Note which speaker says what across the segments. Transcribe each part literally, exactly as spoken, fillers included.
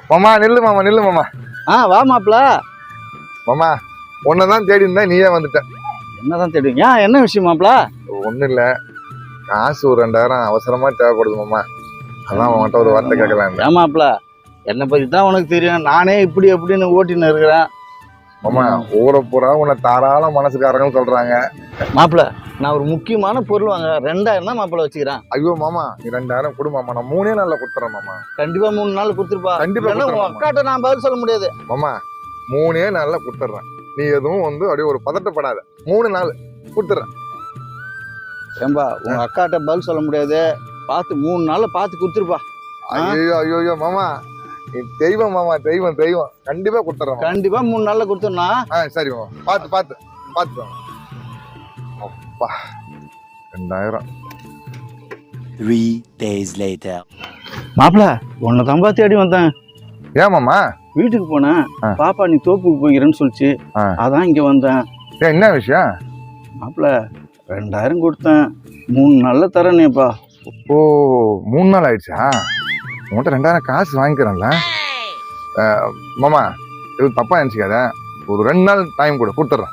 Speaker 1: மாமா நில்லு மாமா நில்லு மாமா.
Speaker 2: ஆ வா மாப்பிள.
Speaker 1: மாமா உன்னதான் தேடி இருந்தா நீயே வந்துட்ட.
Speaker 2: என்னதான் தேடுவீங்க? என்ன விஷயம் மாப்பிள?
Speaker 1: ஒன்றும் இல்லை, காசு ஒரு ரெண்டாயிரம் அவசரமா தேவைப்படுது மாமா. அதான் உன்கிட்ட ஒரு வார்த்தை கேட்கலாம்.
Speaker 2: ஏன் மாப்பிள, என்னை பற்றி தான் உனக்கு தெரியும். நானே இப்படி எப்படின்னு ஓட்டின்னு இருக்கிறேன்
Speaker 1: மாமா. ஊரை பூரா உன்னை தாராள மனசுக்காரங்க சொல்றாங்க.
Speaker 2: மாப்பிள நான் ஒரு முக்கியமான பொருள் வாங்க ரெண்டாயிரம் தான் மாப்பிள வச்சுக்கிறேன்.
Speaker 1: ஐயோ மாமா நீ ரெண்டாயிரம் கொடு மாமா, நான் மூணே நாள்ல கொடுத்துறேன் மாமா.
Speaker 2: கண்டிப்பா மூணு நாள் கொடுத்துருப்பா.
Speaker 1: கண்டிப்பா
Speaker 2: அக்காட்ட நான் பதில் சொல்ல முடியாது
Speaker 1: மாமா. மூணே நாள்ல கொடுத்துட்றேன், நீ எதுவும் வந்து அப்படியே ஒரு பதட்டப்படாத. மூணு நாள் கொடுத்துட்றேன்.
Speaker 2: ஏம்பா உங்க அக்காட்ட பதில் சொல்ல முடியாது, பார்த்து மூணு நாள்ல பார்த்து கொடுத்துருப்பா.
Speaker 1: ஐயோ ஐயோ ஐயோ மாமா, நீ தெய்வம் மாமா, தெய்வம் தெய்வம். கண்டிப்பா கொடுத்துறேன்.
Speaker 2: கண்டிப்பா மூணு நாள்ல கொடுத்துருனா?
Speaker 1: ஆ சரி மாமா, பார்த்து பார்த்து பார்த்து. அப்பா ரெண்டாயிரம்.
Speaker 3: Three days later.
Speaker 2: மாப்பிள உன்னை தம்பா தேடி வந்தேன்.
Speaker 1: ஏன் மாமா?
Speaker 2: வீட்டுக்கு போனேன், பாப்பா நீ தோப்புக்கு போய்கிறேன்னு சொல்லிச்சு, அதான் இங்க வந்தேன்.
Speaker 1: ஏன் என்ன விஷயம்?
Speaker 2: மாப்பிள ரெண்டாயிரம் கொடுத்தேன், மூணு நாள்ல தரேனேப்பா.
Speaker 1: ஓ மூணு நாள் ஆயிடுச்சா? உன்கிட்ட ரெண்டாயிரம் காசு வாங்கிக்கிறேன்ல மாமா. இது தப்பா நினைச்சுக்காத, ஒரு ரெண்டு நாள் டைம் கூட கொடுத்துட்றேன்.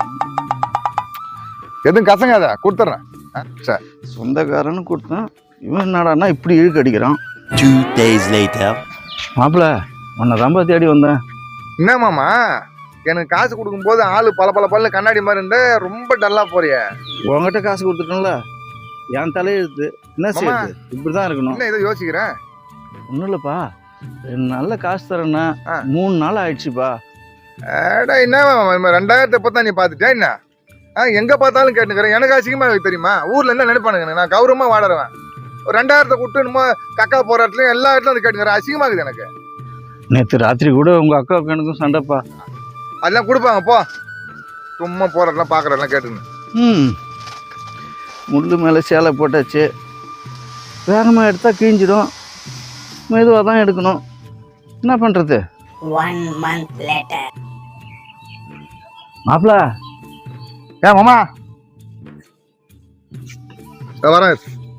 Speaker 1: எதுவும் கசங்காத, கொடுத்துட்றேன். சரி
Speaker 2: சொந்தக்காரன்னு கொடுத்தேன், இவன் என்னடான்னா இப்படி இழுக்கு அடிக்கிறான்.
Speaker 3: Two days later.
Speaker 2: மாப்பிள உன்னை தம்பா தேடி வந்தேன்.
Speaker 1: என்ன மாமா, எனக்கு காசு கொடுக்கும்போது ஆளு பல பல பல்ல கண்ணாடி மாதிரி இருந்த ரொம்ப டல்லா போறிய.
Speaker 2: உங்ககிட்ட காசு கொடுத்துட்டோம்ல, என் தலையெழுத்து என்ன செய்யுது, இப்படிதான் இருக்கணும்.
Speaker 1: என்ன இதை யோசிக்கிறேன்?
Speaker 2: ஒன்றும் இல்லைப்பா, ரெண்டு நாள்ல காசு தரேன்னா மூணு நாள் ஆயிடுச்சுப்பா.
Speaker 1: ஏடா என்ன ரெண்டாயிரத்தை பத்தா நீ பார்த்துட்டியா என்ன? ஆ எங்க பார்த்தாலும் கேட்டுக்கிறேன். எனக்கு அசிங்கமா தெரியுமா? ஊர்ல என்ன நினைப்பானுங்க, நான் கௌரவமா வாடுறேன். ஒரு ரெண்டாயிரத்தை கூட்டு என்னமோ கக்கா போற இடத்துலயும் எல்லா இடத்துலயும் வந்து கேட்டுக்கிறேன். அசிங்கமா இருக்குது எனக்கு.
Speaker 2: நேற்று ராத்திரி கூட உங்க அக்காவுக்கு எனக்கும் சண்டைப்பா.
Speaker 1: அதெல்லாம் கொடுப்பாங்க போ, சும்மா போறதெல்லாம் பாக்குறதெல்லாம் கேட்டுக்கணும்.
Speaker 2: ம் முள்ளு மேலே சேலை போட்டாச்சு, வேகமாக எடுத்தா கிழிஞ்சிடும், மெதுவாக தான் எடுக்கணும். என்ன பண்ணுறது? மாப்பிள
Speaker 1: ஏன் மாமா வரேன்.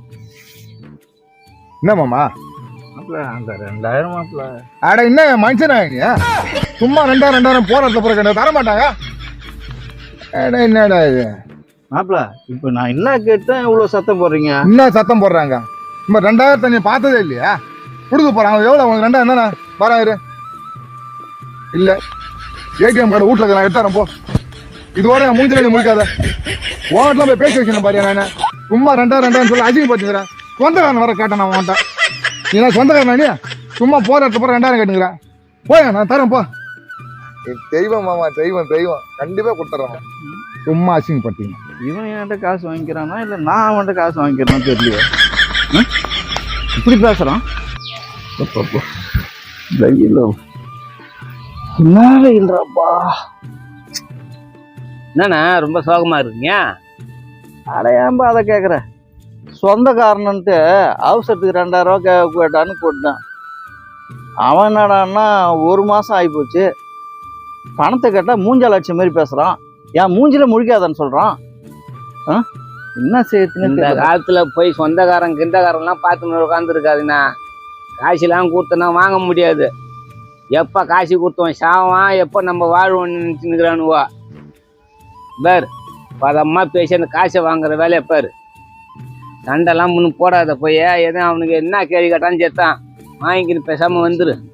Speaker 1: என்ன மாமா?
Speaker 2: மாப்பிள அந்த ரெண்டாயிரம் மாப்பிள.
Speaker 1: அட என்ன மனுஷனா நீ? சும்மா ரெண்டாயிரம் ரெண்டாயிரம் போறதுல போற தர மாட்டாங்க. அட என்னடா இது
Speaker 2: மாப்பிள, இப்போ நான் என்ன கேட்டேன் இவ்வளோ சத்தம் போடுறீங்க?
Speaker 1: என்ன சத்தம் போடுறாங்க? சும்மா ரெண்டாயிரத்தை நீ பார்த்ததே இல்லையா? கொடுக்க போறாங்க. எவ்வளோ உனக்கு ரெண்டாயிரம் தானே? வராயிரு இல்ல ஏடிஎம் கார்டு வீட்டுல நான் எடுத்தாரன் போ. இதோட நான் மூஞ்சில முடிக்காத. ஓட்டெல்லாம் போய் பேசி வச்சுனேன் பாரு. நான் சும்மா ரெண்டாயிரம் ரெண்டாயிரம் சொல்லி அசிங்கப்படுத்துக்கிறேன். சொந்தக்காரன் வர கேட்டேன் நான் உன்ட்ட. நீ நான் சொந்தக்காரன் நீ சும்மா போற இடத்துல போற ரெண்டாயிரம் கேட்டுக்கிறேன். போய் நான் தரேன் போ. தெய்வம் மாமா, தெய்வம் தெய்வம். கண்டிப்பா கொடுத்துறேன். சும்மா அசிங்கப்பட்டீங்க.
Speaker 2: இவன் என்கிட்ட காசு வாங்கிக்கிறானா இல்லை நான் அவன்கிட்ட காசு வாங்கிக்கிறேன்னு தெரியலையே. இப்படி பேசுறான். இல்லப்பா
Speaker 4: என்னண்ணா ரொம்ப சோகமா இருக்கீங்க?
Speaker 2: அடையாம்பா அதை கேட்குற. சொந்தக்காரன்ட்டு அவசரத்துக்கு ரெண்டாயிரம் ரூபா கே கேட்டான்னு போட்டான். அவன் என்னடான்னா ஒரு மாதம் ஆகிப்போச்சு, பணத்தை கேட்டால் மூஞ்சால் அடிச்ச மாதிரி பேசுகிறான். என் மூஞ்சில முழிக்காதான்னு சொல்கிறான். ஆ என்ன செய்யுதுன்னு
Speaker 4: இந்த காலத்துல போய் சொந்தக்காரன் கிண்டக்காரன்லாம் பார்த்துன்னு உட்காந்துருக்காதுண்ணா. காசுலாம் கொடுத்தனா வாங்க முடியாது. எப்போ காசு கொடுத்தோம் சாவான், எப்போ நம்ம வாழ்வோம்னு நினச்சின்னுக்கிறானுவா. பேர் பதம்மா பேசி அந்த காசை வாங்குற வேலையை பேர். சண்டைலாம் முன்னு போடாத போய், எதுவும் அவனுக்கு என்ன கேள்வி கேட்டான்னு சேர்த்தான் வாங்கிக்கின்னு பேசாமல் வந்துரு.